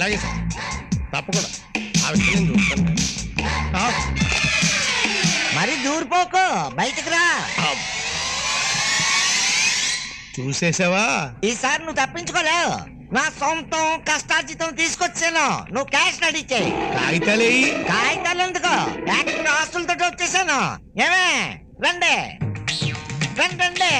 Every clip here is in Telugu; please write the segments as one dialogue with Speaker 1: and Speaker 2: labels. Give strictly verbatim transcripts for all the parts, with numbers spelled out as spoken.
Speaker 1: అలాగే సార్, తప్పకుండా ఆ విషయం నేను చూస్తాను.
Speaker 2: మరి దూరిపోకు, బయటకు రా.
Speaker 1: చూసేసావా?
Speaker 2: ఈసారి నువ్వు తప్పించుకోలేవు. నా సొంతం కష్టార్జితం తీసుకొచ్చాను, నువ్వు క్యాష్ రెడీ చేయి.
Speaker 1: కాగితాలే
Speaker 2: కాగితాలు ఎందుకు, యాక్టర్ ఆస్తులతో వచ్చేసాను. ఏమే రండి రండి రండి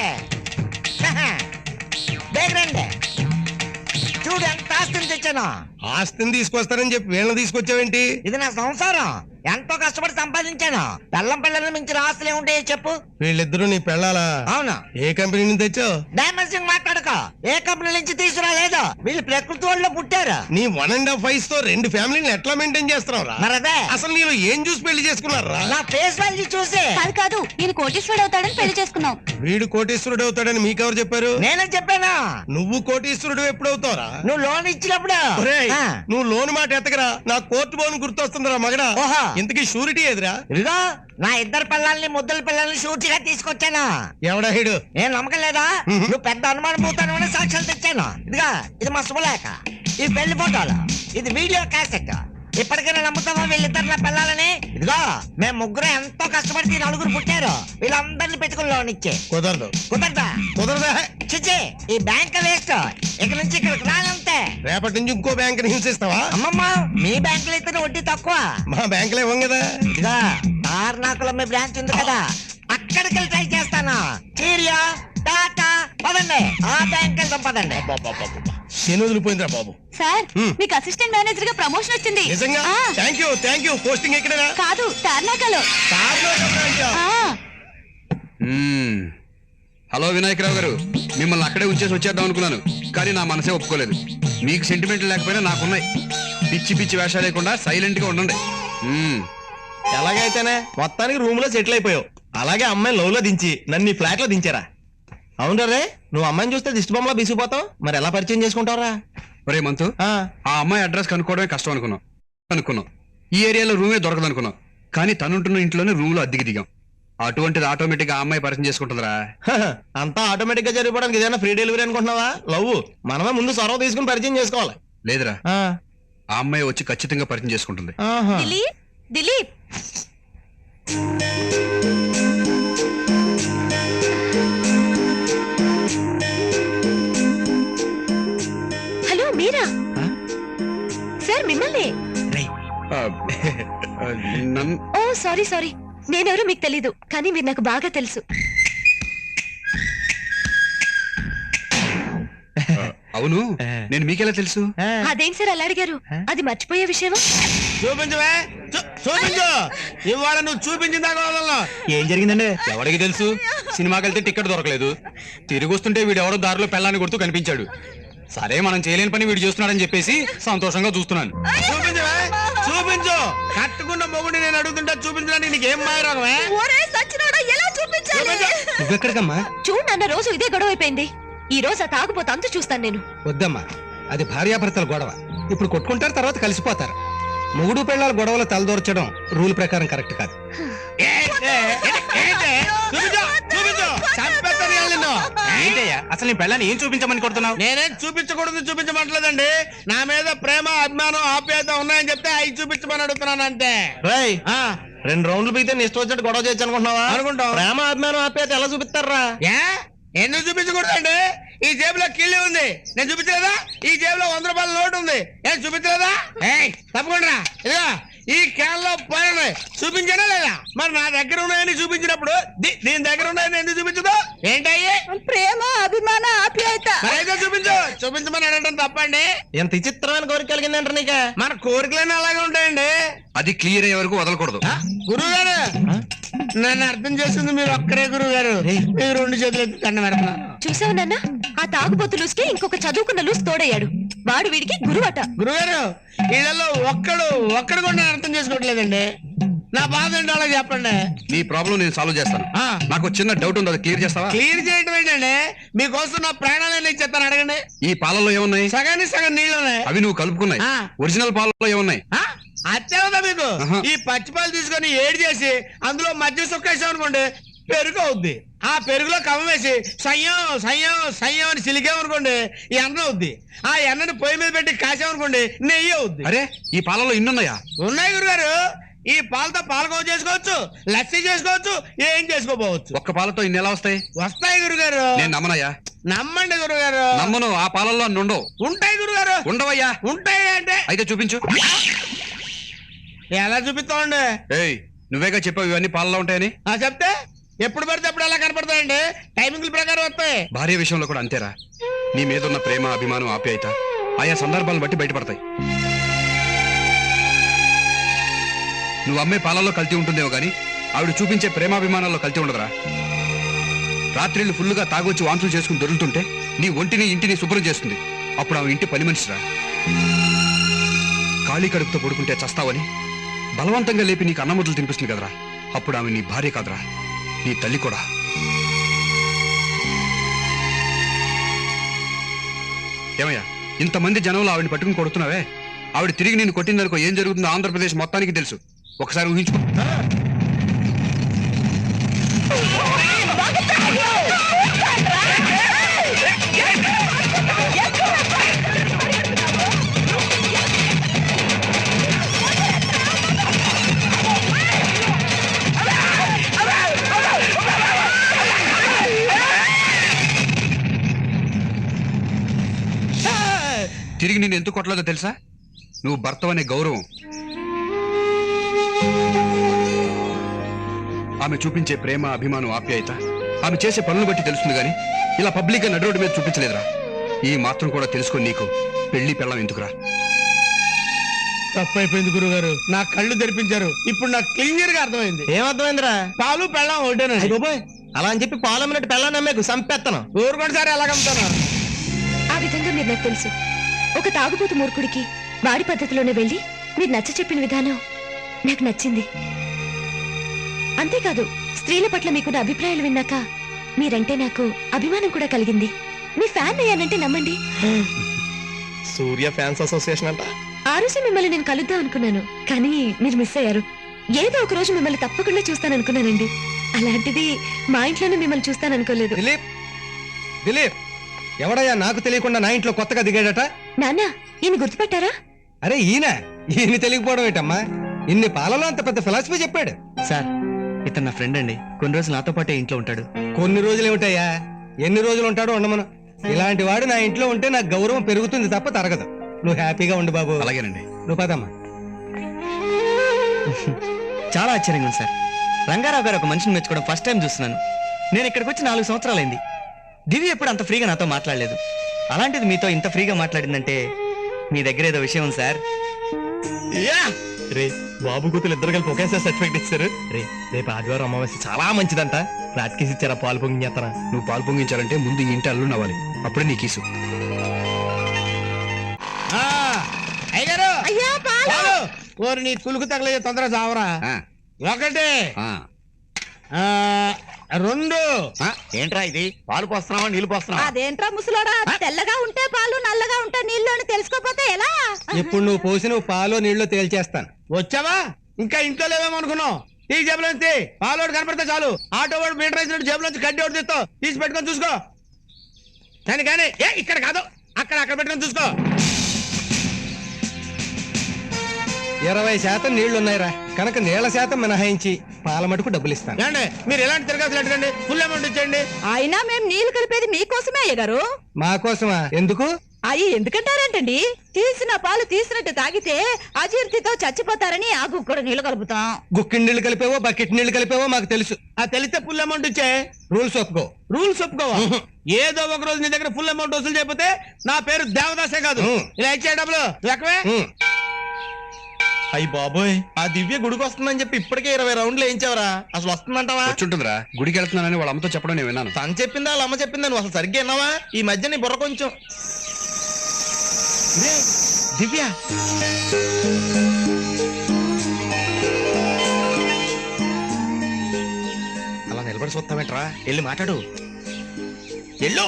Speaker 2: బేగ రండి. చూడు ఎంత ఆస్తిని తెచ్చాను.
Speaker 1: ఆస్తిని తీసుకొస్తానని చెప్పి వీళ్ళని తీసుకొచ్చావేంటి?
Speaker 2: ఇది నా సంసారం, ఎంతో కష్టపడి సంపాదించాను. పెళ్ళం పిల్లల్ని మించిన ఆస్తులు ఏముంటాయో చెప్పు.
Speaker 1: వీళ్ళిద్దరూ నీ పెళ్ళాలా?
Speaker 2: అవును.
Speaker 1: ఏ కంపెనీ నుంచి తెచ్చావు?
Speaker 2: డైమెన్షన్ మాట్లాడకో, ఏ కంపెనీ నుంచి తీసుకురాలేదు. వీళ్ళు ప్రకృతి వాళ్ళు పుట్టారు.
Speaker 1: నీ వన్ అండ్ హాఫ్ వయసు తో రెండు ఫ్యామిలీని ఎట్లా మెయింటైన్ చేస్తున్నావురా?
Speaker 2: మరదే
Speaker 1: అసలు నేను ఏం చూసి పెళ్లి చేసుకున్నారా?
Speaker 2: నా ఫేస్ వాల్యూ చూసి.
Speaker 3: కాదు కాదు, నేను కోటీశ్వరుడు అవుతాడని పెళ్లి చేసుకున్నావు.
Speaker 1: వీడు కోటీశ్వరుడు అవుతాడని మీకెవరు చెప్పారు?
Speaker 2: నేనే చెప్పాను.
Speaker 1: నువ్వు కోటీశ్వరుడు ఎప్పుడవుతావురా?
Speaker 2: నువ్వు లోన్ ఇచ్చినప్పుడు.
Speaker 1: నువ్వు లోన్ మాట ఎత్తకరా, నా కోర్టు బోన్ గుర్తొస్తుందిరా మగడా. ఇంతకీ షూరిటీ ఎదురా?
Speaker 2: ఇదిగో నా ఇద్దరు పిల్లల్ని ముద్దల పిల్లల్ని షూరిటీగా తీసుకొచ్చాను.
Speaker 1: ఎవడా హీడు?
Speaker 2: ఏం నమ్మకం లేదా? నువ్వు పెద్ద అనుమానం పోతాను సాక్ష్యాలు తెచ్చాను. ఇదిగా ఇది మా శుభలేఖ, ఇది పెళ్లి ఫోటోలు, ఇది వీడియో క్యాసెట్. ఇప్పటికైనా నమ్ముతావా వీళ్ళిద్దరు నా పిల్లలని? ఇదిగో మేము ముగ్గురు ఎంతో కష్టపడి నలుగురు పుట్టారు. వీళ్ళందరినీ పెట్టుకుని లోన్ ఇచ్చే.
Speaker 1: కుదరదు.
Speaker 2: కుదరదా?
Speaker 1: కుదరదా?
Speaker 2: చిచ్చి, ఈ బ్యాంక్ వేస్ట్. ఇక్కడ నుంచి ఇక్కడికి రానంతే.
Speaker 1: రేపటి నుంచి ఇంకో బ్యాంక్ హింసిస్తావా?
Speaker 2: అమ్మమ్మ, మీ బ్యాంక్ లో అయితే వడ్డీ తక్కువ.
Speaker 1: మా బ్యాంక్ లో ఇవ్వం కదా.
Speaker 2: ఇదిగా తార్నాకులో మీ బ్రాంచ్ ఉంది కదా, అక్కడికి వెళ్ళి ట్రై చేస్తాను. చీరియా టాటా పదండి, ఆ బ్యాంక్ వెళ్తాం పదండి.
Speaker 1: శని వదిలిపోయిందిరా బాబు.
Speaker 3: సార్, మీకు అసిస్టెంట్ మేనేజర్ గా ప్రమోషన్ వచ్చింది.
Speaker 1: నిజంగా? Thank you thank you. Posting ఎక్కడరా?
Speaker 3: కాదు, తార్నాకలో.
Speaker 4: హలో వినాయకరావు గారు, మిమ్మల్ని అక్కడే ఉంచేసి వచ్చేద్దాం అనుకున్నాను, కానీ నా మనసే ఒప్పుకోలేదు. మీకు సెంటిమెంట్ లేకపోయినా నాకున్నాయి. పిచ్చి పిచ్చి వేషాలు లేకుండా సైలెంట్ గా ఉండండి.
Speaker 5: ఎలాగైతేనే మొత్తానికి రూమ్ లో సెటిల్ అయిపోయావు. అలాగే అమ్మాయి లవ్ లో దించి నన్ను నీ ఫ్లాట్ లో దించారా? అవును రే, నువ్వు అమ్మాయిని చూస్తే దిష్టి బొమ్మలా బీసిపోతావు, మరి ఎలా పరిచయం చేసుకుంటావురా?
Speaker 4: ఒరే మంతు, ఆ అమ్మాయి అడ్రస్ కనుక్కోవడమే కష్టం అనుకున్నాం అనుకున్నాం ఈ ఏరియాలో రూమే దొరకదు అనుకున్నాం, కానీ తనుంటున్న ఇంట్లోనే రూమ్ లో అద్దెకి దిగాం. అటువంటిది ఆటోమేటిక్ గా అమ్మాయి పరిచయం చేసుకుంటుందిరా.
Speaker 5: అంతా ఆటోమేటిక్ గా జరిగిపోవడానికి ఏదైనా ఫ్రీ డెలివరీ అనుకుంటున్నావా? లవ్ మనమే ముందు సొరవ తీసుకుని పరిచయం చేసుకోవాలి.
Speaker 4: లేదురా, ఆ అమ్మాయి వచ్చి ఖచ్చితంగా పరిచయం చేసుకుంటుంది.
Speaker 3: దిలీప్ దిలీప్ హలో మీరా? సార్ మిమ్మల్ని. ఓ సారీ సారీ, నేనెవరో మీకు తెలీదు, కానీ మీరు నాకు బాగా తెలుసు.
Speaker 4: అవును, నేను మీకెలా తెలుసు?
Speaker 3: అదేంటి సార్ అలా అడిగారు? అది మర్చిపోయే విషయమా?
Speaker 1: చూపించవే, చూపించు. ఇవాళ నువ్వు చూపించిందా?
Speaker 5: ఏం జరిగిందండి?
Speaker 6: ఎవరికి తెలుసు? సినిమాకి వెళ్తే టికెట్ దొరకలేదు, తిరిగి వస్తుంటే వీడు ఎవడో దారిలో పెళ్ళాన్ని కొడుతూ కనిపించాడు. సరే మనం చేయలేని పని వీడు చేస్తున్నాడని చెప్పేసి సంతోషంగా చూస్తున్నాను.
Speaker 1: చూపించవే, చూపించు. కట్టుకున్న మొగుడిని నేను అడుగుతుంటా చూపించడానికి నీకేం మాయరాగమే?
Speaker 5: నువ్వెక్కడికమ్మా?
Speaker 3: చూడు నాన్న, రోజు ఇదే గొడవ అయిపోయింది. ఈ రోజు ఆ తాగుపోతే అంత చూస్తాను నేను.
Speaker 5: వద్దమ్మా, అది భార్యాభర్తల గొడవ. ఇప్పుడు కొట్టుకుంటారు, తర్వాత కలిసిపోతారు. మొగుడు పెళ్ళాల గొడవలు తలదూర్చడం రూల్ ప్రకారం కరెక్ట్ కాదు.
Speaker 6: ఏంటయ్యా అసలు నీ పెళ్ళాన్ని ఏం చూపించమని కొడుతున్నావు?
Speaker 1: నేనేం చూపించకూడదు చూపించమంటలేదండి. నా మీద ప్రేమ అభిమానం ఆప్యాయత ఉన్నాయని చెప్తే అవి చూపించమని అడుగుతున్నాను అంతే.
Speaker 5: రేయ్, రెండు రౌండ్లు పీతే నీ ఇష్టం వచ్చినట్టు గొడవ చేయొచ్చు అనుకుంటున్నావా?
Speaker 1: అనుకుంటాం.
Speaker 5: ప్రేమ అభిమానం ఆప్యాయత ఎలా చూపిస్తారా?
Speaker 1: ఎందుకు చూపించకూడదండి? ఈ జేబులో కిళ్ళి ఉంది, నేను చూపించలేదా? ఈ జేబులో వంద రూపాయల నోటు ఉంది, నేను చూపించలేదా? తప్పకుండా ఇదిగా ఈ క్యాన్ లో పోయినాయి, చూపించానా లేదా? మరి నా దగ్గర ఉన్నాయని చూపించినప్పుడు దీని దగ్గర ఉన్నాయని ఎందుకు చూపించదు? ఏంటయ్యి?
Speaker 3: ప్రేమ అభిమాన ఆప్యాయత.
Speaker 1: అయితే చూపించు. చూపించమని అడగడం తప్పండి.
Speaker 5: ఎంత విచిత్రమైన కోరిక కలిగిందంటారు నీక?
Speaker 1: మన కోరికలన్నీ అలాగే ఉంటాయండి.
Speaker 4: అది క్లియర్ అయ్యే వరకు వదలకూడదు.
Speaker 1: గురువు గారు, నన్ను అర్థం చేస్తుంది మీరు ఒక్కరే గురువు గారు. మీరు రెండు చేతులు ఎత్తి దండం పెడుతున్నారు.
Speaker 3: చూసావు నాన్న, ఆ తాగుబోతు లూస్కి ఇంకొక చదువుకున్న లూస్ తోడయ్యాడు. వాడు వీడికి గురువట.
Speaker 1: గురుగారు, వీళ్ళలో ఒక్కడు ఒక్కడు కూడా నేను అర్థం చేసుకోవట్లేదండి. నా బాధ ఏంటో అలా చెప్పండి.
Speaker 4: నీ ప్రాబ్లం నేను సాల్వ్ చేస్తాను. నాకు చిన్న డౌట్ ఉంది, అది క్లియర్ చేస్తావా?
Speaker 1: క్లియర్ చేయడం ఏంటండి? మీకోసం నా ప్రాణాలన్నీ చెప్తాను, అడగండి.
Speaker 4: ఈ పాలలో ఏమున్నాయి?
Speaker 1: సగానికి సగం నీళ్ళు ఉన్నాయి.
Speaker 4: అవి నువ్వు కలుపుకున్నాయి. ఒరిజినల్ పాలలో ఏమున్నాయి?
Speaker 1: అత్యవదా మీకు? ఈ పచ్చి పాలు తీసుకొని ఏడు చేసి అందులో మధ్య సుక్కేసాం అనుకోండి, పెరుగు అవుద్ది. ఆ పెరుగులో కవ్వం వేసి సయ్యం సయ్యం సయ్యం అని సిలికామనుకోండి ఈ ఎన్న అవుద్ది. ఆ ఎన్నని పొయ్యి మీద పెట్టి కాసామనుకోండి నెయ్యి అవుద్ది.
Speaker 4: అరే ఈ పాలలో ఇన్నున్నాయా?
Speaker 1: ఉన్నాయి గురుగారు. ఈ పాలతో పాలకోవ చేసుకోవచ్చు, లస్సీ చేసుకోవచ్చు, ఏం చేసుకోపోవచ్చు.
Speaker 4: ఒక్క పాలతో ఇన్ని ఎలా వస్తాయి?
Speaker 1: వస్తాయి గురుగారు.
Speaker 4: నేను నమ్మనయ్యా.
Speaker 1: నమ్మండి గురుగారు.
Speaker 4: నమ్మను. ఆ పాలల్లో అన్ని ఉండవు.
Speaker 1: ఉంటాయి గురుగారు.
Speaker 4: ఉండవయ్యా.
Speaker 1: ఉంటాయి అంటే
Speaker 4: అయితే చూపించు.
Speaker 1: ఎలా చూపిస్తామండి?
Speaker 4: ఏయ్ నువ్వేగా చెప్పావు ఇవన్నీ పాలలో ఉంటాయని.
Speaker 1: ఆ చెప్తే ఎప్పుడు పడితే అప్పుడు ఎలా కనపడతాయండి? టైమింగ్ల ప్రకారం వస్తాయి.
Speaker 4: భార్య విషయంలో కూడా అంతేరా. నీ మీద ఉన్న ప్రేమ, అభిమానం, ఆప్యాయత ఆయా సందర్భాలను బట్టి బయటపడతాయి. నువ్వు అమ్మే పాలల్లో కల్తీ ఉంటుందేమో గానీ ఆవిడ చూపించే ప్రేమాభిమానాల్లో కల్తీ ఉండదురా. రాత్రిళ్ళు ఫుల్లుగా తాగొచ్చి వాంతులు చేసుకుని దొరుకుతుంటే నీ ఒంటిని ఇంటిని శుభ్రం చేస్తుంది. అప్పుడు ఆమె ఇంటి పని మనిషిరా. ఖాళీ కడుపుతో పడుకుంటే చస్తావని బలవంతంగా లేపి నీకు అన్నముద్దలు తినిపిస్తుంది కదరా. అప్పుడు ఆమె నీ భార్య కాదురా, నీ తల్లి కూడా. ఏమయ్యా ఇంతమంది జనంలో ఆవిడని పట్టుకుని కొడుతున్నావే, ఆవిడ తిరిగి నేను కొట్టిందనుకో ఏం జరుగుతుందో ఆంధ్రప్రదేశ్ మొత్తానికి తెలుసు. ఒకసారి ఊహించుకో. తిరిగి నేను ఎందుకు కొట్టలేదో తెలుసా? నువ్వు భర్తవనే గౌరవం, ఆమె చూపించే ప్రేమ, అభిమానం, ఆప్యాయత ఆమె చేసే పనులు బట్టి తెలుస్తుంది గాని ఇలా పబ్లిక్ గా నడి రోడ్డు మీద చూపించలేదురా. ఈ మాత్రం కూడా తెలుసుకొని నీకు పెళ్లి పెళ్ళం ఎందుకురా?
Speaker 1: తప్పైపోయింది గురుగారు. నా కళ్ళు తెరిపించారు. ఇప్పుడు నాకు క్లియర్ గా అర్థమైంది.
Speaker 5: ఏమర్థమైందిరా?
Speaker 1: పాలు పెళ్ళం ఒకటేనండి.
Speaker 5: బాబోయ్ అలా అని చెప్పి పాలమ్మినట్టు పెళ్ళాన్ని నమ్మేకు సంపెత్తను.
Speaker 1: ఊరుకోండి సార్, ఎలాగమ్ముతాను?
Speaker 3: ఆ విధంగా మీరు నాకు తెలుసు. ఒక తాగుబోతు మూర్ఖుడికి వాడి పద్ధతిలోనే వెళ్ళి మీరు నచ్చ చెప్పిన విధానం నాకు నచ్చింది. అంతేకాదు స్త్రీల పట్ల మీకున్న అభిప్రాయాలు విన్నాక మీరంటే నాకు అభిమానం కూడా కలిగింది. మీ ఫ్యాన్ అయ్యానంటే నమ్మండి.
Speaker 5: సూర్య ఫ్యాన్స్ అసోసియేషన్ అంట.
Speaker 3: ఆ రోజు మిమ్మల్ని నేను కలుద్దాం అనుకున్నాను, కానీ మీరు మిస్ అయ్యారు. ఏదో ఒక రోజు మిమ్మల్ని తప్పకుండా చూస్తాననుకున్నానండి. అలాంటిది మా ఇంట్లోనే మిమ్మల్ని చూస్తాననుకోలేదు.
Speaker 7: దిలీప్ దిలీప్ ఎవడయ్యా నాకు తెలియకుండా నా ఇంట్లో కొత్తగా దిగాడట?
Speaker 3: నాన్న ఈయన గుర్తుపట్టారా?
Speaker 7: అరే ఈయన ఈయన తెలియకపోవడం ఏంటమ్మా? ఇన్ని పాలలో అంత పెద్ద ఫిలాసఫీ చెప్పాడు.
Speaker 5: సార్ ఇతను నా ఫ్రెండ్ అండి. కొన్ని రోజులు నాతో పాటే ఇంట్లో ఉంటాడు.
Speaker 7: కొన్ని రోజులు ఏమిటయ్యా, ఎన్ని రోజులు ఉంటాడో ఉండమను. ఇలాంటి వాడు నా ఇంట్లో ఉంటే నాకు గౌరవం పెరుగుతుంది తప్ప తరగదు. నువ్వు హ్యాపీగా ఉండు బాబు.
Speaker 4: అలాగేనండి.
Speaker 7: నువ్వు పదమ్మా.
Speaker 5: చాలా ఆశ్చర్యంగా ఉంది సార్. రంగారావు గారు ఒక మనిషిని మెచ్చుకోవడం ఫస్ట్ టైం చూస్తున్నాను. నేను ఇక్కడికి వచ్చి నాలుగు సంవత్సరాలైంది. దివి ఎప్పుడు అంత ఫ్రీగా నాతో మాట్లాడలేదు. అలాంటిది మీతో ఇంత ఫ్రీగా మాట్లాడిందంటే మీ దగ్గర ఏదో విషయం ఉంది సార్. రే బాబు కూతురు ఇద్దరు కలిపి ఒకేసారి సర్టిఫికెట్ ఇచ్చారు. రే రేపు ఆదివారం అమావాస్య చాలా మంచిదంట. రాత్రికి ఇచ్చారా పాలు పొంగిస్తారా?
Speaker 4: నువ్వు పాలు పొంగించాలంటే ముందు ఈ ఇంటి అల్లు నవ్వాలి, అప్పుడే నీ కీసు.
Speaker 1: అయ్యారు
Speaker 3: అయ్యా
Speaker 1: పాలు. ఓరి నీ కులుకు తగలే తొందర చావరా. ఒకటి ఆ, రెండు.
Speaker 2: ఏంట్రా ఇది? పాలు పోస్తున్నావా నీళ్లు పోస్తున్నావా?
Speaker 8: అదేంట్రా ముసలోడా, తెల్లగా ఉంటే పాలు నల్లగా ఉంటే నీళ్లు అని తెలుసుకోపోతే ఎలా?
Speaker 7: ఇప్పుడు నువ్వు పోసిన పాలో నీళ్ళు తేల్చేస్తాను.
Speaker 1: వచ్చావా? ఇంకా ఇంట్లో లేవేమో అనుకున్నావు. ఈ జేబులో నుంచి పాలోడు కనపడితే చాలు ఆటో వాడు మీటర్ వేసినట్టు జేబులో నుంచి గడ్డి ఒకటి తీస్తావు. తీసి పెట్టుకొని చూసుకో. కానీ కానీ ఏ ఇక్కడ కాదు, అక్కడ అక్కడ పెట్టుకొని చూసుకో.
Speaker 7: ఇరవై శాతం నీళ్లున్నాయిరా కనుక నీళ్ల శాతం మినహాయించి పాల మటుకు డబ్బులు ఇస్తాను.
Speaker 1: ఏమండి మీరు ఎలాంటి తిరగాల్సి అడగండి, ఫుల్ అమౌంట్ ఇచ్చేయండి.
Speaker 8: అయినా మేము నీళ్లు కలిపేది మీకోసమే అయ్యగారు.
Speaker 7: మా కోసమా? ఎందుకు?
Speaker 8: అయ్యి ఎందుకంటారేంటండి? తీసిన పాలు తీసినట్టు తాగితే అజీర్తితో చచ్చిపోతారని ఆ గుక్కడు నీళ్లు కలుపుతాం.
Speaker 7: గుక్కిడి నీళ్లు కలిపేవో బకెట్ నీళ్లు కలిపేవో మాకు తెలుసు.
Speaker 1: ఆ తెలిస్తే ఫుల్ అమౌంట్ ఇచ్చే.
Speaker 7: రూల్స్ ఒప్పుకో.
Speaker 1: రూల్స్ ఒప్పుకోవా? ఏదో ఒక రోజు నీ దగ్గర ఫుల్ అమౌంట్ వసూలు చేయకపోతే నా పేరు దేవదాసే కాదు. ఇలా ఇచ్చే డబ్బులు లెక్కవే.
Speaker 5: అయ్యి బాబోయ్, ఆ దివ్య గుడికి వస్తుందని చెప్పి ఇప్పటికే ఇరవై రౌండ్లు వేయించావరా? అసలు వస్తుందంటావా?
Speaker 4: వచ్చుంటుందిరా. గుడికి వెళ్తున్నానని వాళ్ళ అమ్మతో చెప్పడం నేను విన్నాను.
Speaker 5: తను చెప్పిందా వాళ్ళ అమ్మ చెప్పిందా? నువ్వు అసలు సరిగ్గా విన్నావా? ఈ మధ్య నీ బుర్ర కొంచెం. రే, దివ్య అలా నిలబడి చూస్తావేంట్రా? వెళ్ళి మాట్లాడు. ఎల్లో.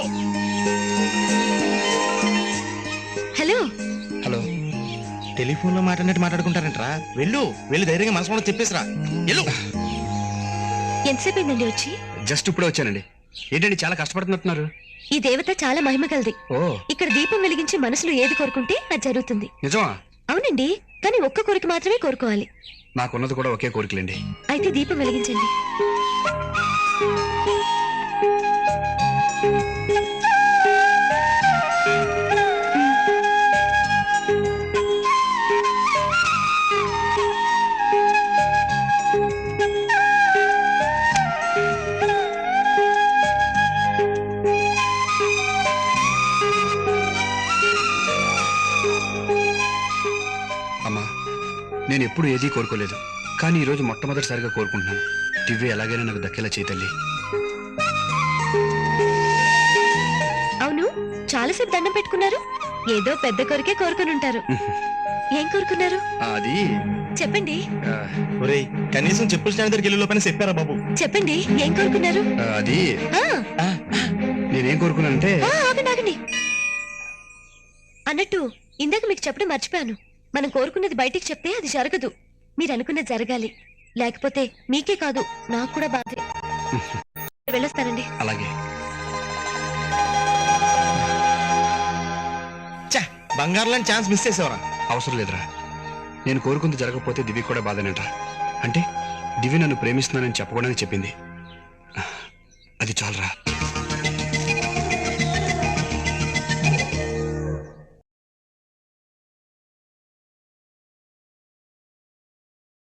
Speaker 3: Hello
Speaker 5: hello. టెలిఫోన్ లో మాట్లాడినట్టు మాట్లాడుకుంటారంటరా? వెళ్ళు వెళ్ళి ధైర్యంగా మనసులో చెప్పేసిరా. వెళ్ళు.
Speaker 3: ఎంతసేపు అయిందండి వచ్చి?
Speaker 4: జస్ట్ ఇప్పుడే వచ్చానండి. ఏంటండి చాలా కష్టపడుతున్నట్టున్నారు?
Speaker 3: ఈ దేవత చాలా మహిమ కలది.
Speaker 4: ఓ
Speaker 3: ఇక్కడ దీపం వెలిగించి మనసులో ఏది కోరుకుంటే అది జరుగుతుంది.
Speaker 4: నిజమా?
Speaker 3: అవునండి, కానీ ఒక్క కోరిక మాత్రమే కోరుకోవాలి.
Speaker 4: నాకున్నది కూడా ఒకే కోరికలండి.
Speaker 3: అయితే దీపం వెలిగించండి.
Speaker 4: అమ్మా, నేను ఎప్పుడు ఏదీ కోరుకోలేదు, కానీ ఈరోజు మొట్టమొదటిసారిగా కోరుకుంటున్నాను. దివ్య ఎలాగైనా నాకు దక్కేలా చేయి తల్లి.
Speaker 3: అవును, చాలాసేపు దండం పెట్టుకున్నారు. ఏదో పెద్ద కోరికే కోరుకుని ఉంటారు. ఏం కోరుకున్నారు
Speaker 4: అది
Speaker 3: చెప్పండి.
Speaker 4: ఆ,
Speaker 5: ఒరేయ్, కనీసం చెప్పుల స్టాండ్ దగ్గరికి వెళ్ళే లోపల చెప్పారా బాబు?
Speaker 3: చెప్పండి, ఏం కోరుకున్నారు?
Speaker 4: ఆ, అది
Speaker 3: ఆ,
Speaker 4: నేనేం కోరుకున్నానంటే
Speaker 3: ఆ, ఆగండి ఆగండి. అన్నట్టు ఇందాక మీకు చెప్పడం మర్చిపోయాను. మనం కోరుకున్నది బయటికి చెప్తే అది జరగదు. మీరు అనుకున్నది జరగాలి, లేకపోతే మీకే కాదు నాకు కూడా బాధే. వెళ్ళొస్తానండి.
Speaker 4: అలాగే.
Speaker 5: బంగారు లాంటి ఛాన్స్ మిస్ చేసేవరా?
Speaker 4: అవసరం లేదురా, నేను కోరుకుంది జరగకపోతే దివ్య కూడా బాధనేట. అంటే దివ్య నన్ను ప్రేమిస్తున్నానని చెప్పకూడదని చెప్పింది. అది చాలరా.